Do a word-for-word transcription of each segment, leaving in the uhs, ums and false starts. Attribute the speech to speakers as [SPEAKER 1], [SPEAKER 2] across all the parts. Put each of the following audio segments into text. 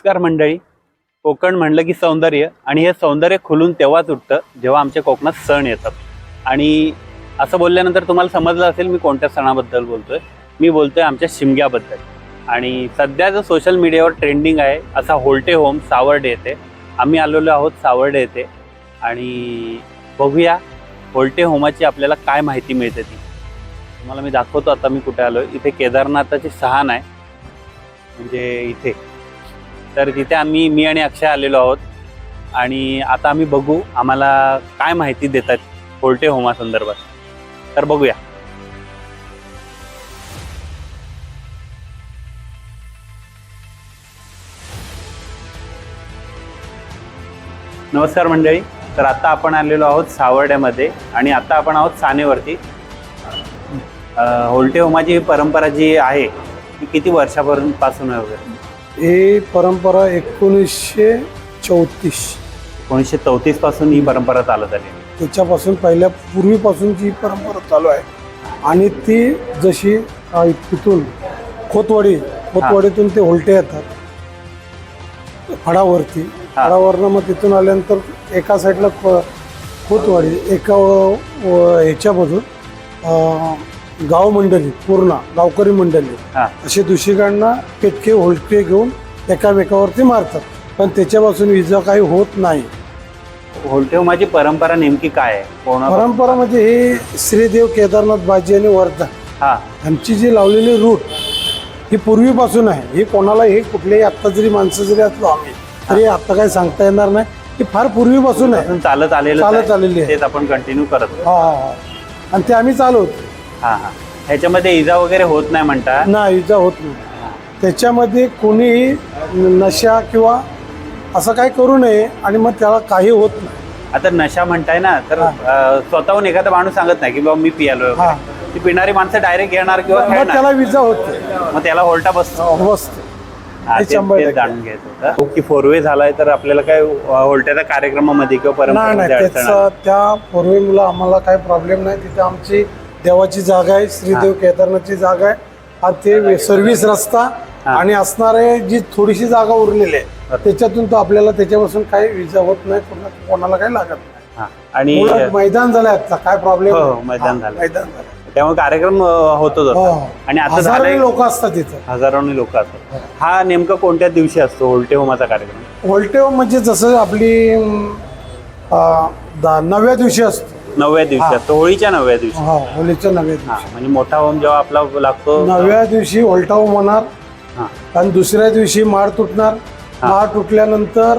[SPEAKER 1] नमस्कार मंडळी. कोकण म्हणलं की सौंदर्य, आणि हे सौंदर्य खुलून तेव्हाच उठतं जेव्हा आमच्या कोकणात सण येतात. आणि असं बोलल्यानंतर तुम्हाला समजलं असेल मी कोणत्या सणाबद्दल बोलतोय. मी बोलतोय आमच्या शिमग्याबद्दल. आणि सध्या जो सोशल मीडियावर ट्रेंडिंग आहे असा होल्टे होम सावर्डे येथे आम्ही आलेलो आहोत. सावर्डे येथे आणि बघूया होल्टे होमाची आपल्याला काय माहिती मिळते ती तुम्हाला मी दाखवतो. आता मी कुठे आलोय, इथे केदारनाथाची सहान आहे म्हणजे इथे. तर तिथे आम्ही मी आणि अक्षय आलेलो आहोत आणि आता आम्ही बघू आम्हाला काय माहिती देतात होल्टे होमा संदर्भात. तर बघूया. नमस्कार मंडळी. तर आता आपण आलेलो आहोत सावर्ड्यामध्ये आणि आता आपण आहोत सानेवरती. होल्टे होमाची परंपरा जी आहे ती किती वर्षापासून आहे वगैरे?
[SPEAKER 2] ही परंपरा एकोणीसशे चौतीस
[SPEAKER 1] एकोणीसशे चौतीस पासून ही परंपरा चालत आली.
[SPEAKER 2] त्याच्यापासून पहिल्या पूर्वीपासूनची ही परंपरा चालू आहे. आणि ती जशी अ, तिथून खोतवाडी खोतवाडीतून ते होल्टे येतात फडावरती. फडावरनं मग तिथून आल्यानंतर एका साईडला खोतवाडी, एका ह्याच्यामधून गाव मंडळी, पूर्ण गावकरी मंडळी असे दुसरीकडनं पेटके होल्टे घेऊन एकामेकावरती मारतात. पण त्याच्यापासून विजा काही होत नाही.
[SPEAKER 1] होल्टे होमाची परंपरा नेमकी काय आहे?
[SPEAKER 2] परंपरा म्हणजे हे श्रीदेव, केदारनाथ, बाजी आणि वर्धा
[SPEAKER 1] हा
[SPEAKER 2] आमची जी लावलेली रूट ही पूर्वीपासून आहे. ही कोणाला हे कुठलेही आत्ता जरी माणसं जरी असलो आम्ही तरी आता काही सांगता येणार नाही. ही फार पूर्वीपासून आहे,
[SPEAKER 1] चालत आलेलं
[SPEAKER 2] चालत आलेली आहे.
[SPEAKER 1] तेच आपण कंटिन्यू करत.
[SPEAKER 2] हा हा आणि ते आम्ही चालवतो.
[SPEAKER 1] हा हा ह्याच्यामध्ये इजा वगैरे होत नाही म्हणता?
[SPEAKER 2] नाही, इजा होत नाही. त्याच्यामध्ये कोणीही नशा किंवा असं काही करू नये आणि मग त्याला काही होत नाही.
[SPEAKER 1] आता नशा म्हणताय ना, तर स्वतःहून एखादा माणूस सांगत नाही की बाबा मी पियालो. ती पिणारी माणसं डायरेक्ट येणार किंवा
[SPEAKER 2] त्याला विजा होते,
[SPEAKER 1] मग त्याला होल्टा बसतो.
[SPEAKER 2] बसतो.
[SPEAKER 1] जाणून घ्यायचं होतं की फोर वे झालाय तर आपल्याला काय होल्ट्याच्या कार्यक्रमामध्ये किंवा
[SPEAKER 2] नाही नाही त्याचा त्या फोर वे मुलं आम्हाला काही प्रॉब्लेम नाही. तिथे आमची देवाची जागा आहे, श्रीदेव केदारनाथची जागा आहे. आणि ते सर्व्हिस रस्ता आणि असणारे जी थोडीशी जागा उरलेली आहे त्याच्यातून तो आपल्याला त्याच्यापासून काही विजा होत नाही, कोणाला काही लागत नाही.
[SPEAKER 1] आणि
[SPEAKER 2] मैदान झालंय आता, काय प्रॉब्लेम?
[SPEAKER 1] मैदान झालं,
[SPEAKER 2] मैदान झालं
[SPEAKER 1] त्यामुळे कार्यक्रम होतोच. आणि आता
[SPEAKER 2] हजारो लोक असतात तिथं,
[SPEAKER 1] हजारोनी लोक असतात. हा नेमका कोणत्या दिवशी असतो होल्टे होमाचा कार्यक्रम?
[SPEAKER 2] होल्टे होम म्हणजे जसं आपली नवव्या दिवशी असतो.
[SPEAKER 1] नवव्या दिवशी असतो, होळीच्या नवव्या दिवशी.
[SPEAKER 2] हा, होळीच्या नवव्या दिवशी.
[SPEAKER 1] म्हणजे मोठा होम जेव्हा आपला लागतो
[SPEAKER 2] नवव्या दिवशी होल्टा होम होणार. आणि दुसऱ्या दिवशी माळ तुटणार. माळ तुटल्यानंतर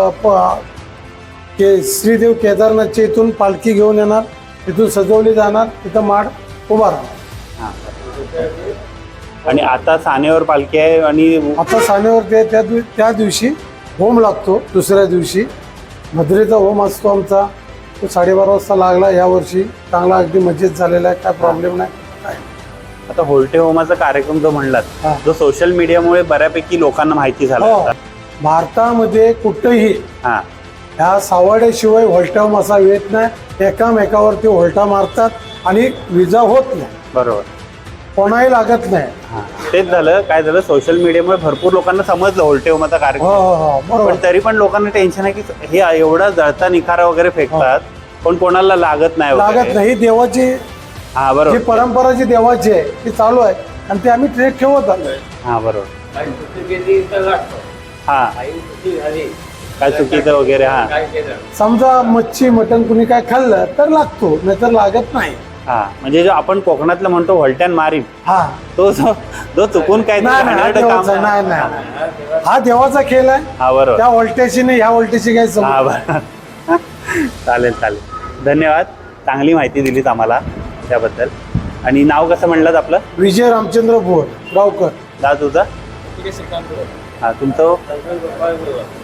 [SPEAKER 2] श्रीदेव केदारनाथच्या इथून पालखी घेऊन येणार, तिथून सजवली जाणार, तिथं माळ उभा राहणार.
[SPEAKER 1] आणि आता सानेवर पालखी आहे आणि
[SPEAKER 2] आता सानेवर ते त्या त्या दिवशी होम लागतो. दुसऱ्या दिवशी मधुरेचा होम असतो आमचा. तो साडेबारा वाजता लागला यावर्षी. चांगला अगदी मजेत झालेला आहे, काय प्रॉब्लेम नाही. काय
[SPEAKER 1] आता होल्टे होमाचा कार्यक्रम जो म्हणलात जो सोशल मीडियामुळे बऱ्यापैकी लोकांना माहिती झाला.
[SPEAKER 2] भारतामध्ये कुठेही ह्या सावर्ड्याशिवाय होल्टा होम असा येत नाही. एकामेकावरती होल्टा मारतात आणि विजा होत नाही. बरोबर, कोणाही लागत नाही.
[SPEAKER 1] तेच झालं. काय झालं, सोशल मीडियामुळे भरपूर लोकांना समजलं होल्टे होमाचा कार्यक्रम. पण तरी पण लोकांना टेन्शन आहे की हे एवढा जळता निखारा वगैरे फेकतात पण कोणाला लागत नाही.
[SPEAKER 2] लागत नाही. देवाची
[SPEAKER 1] हा बरोबर,
[SPEAKER 2] ही परंपरा जी देवाची आहे ती चालू आहे आणि ते आम्ही ट्रेक ठेवत आलोय.
[SPEAKER 1] हा बरोबर. हा काय चुकीचं वगैरे. हा
[SPEAKER 2] समजा मच्छी मटण कुणी काय खाल्लं तर लागतो, नाहीतर लागत नाही.
[SPEAKER 1] हा म्हणजे जो आपण कोकणातलं म्हणतो व्हॉल्ट्यान मारीन,
[SPEAKER 2] हा
[SPEAKER 1] तो जो चुकून काय
[SPEAKER 2] नाही नाही, हा देवाचा खेळ आहे.
[SPEAKER 1] हा बरोबर.
[SPEAKER 2] त्या व्होल्टेजची नाही, ह्या व्होल्टेजची काय समज.
[SPEAKER 1] हा बरोबर. चालेल चालेल, धन्यवाद. चांगली माहिती दिलीत आम्हाला त्याबद्दल. आणि नाव कसं म्हणलं आपलं?
[SPEAKER 2] विजय रामचंद्र भोर गावकर.
[SPEAKER 1] दा तुझा? हा तुमचं?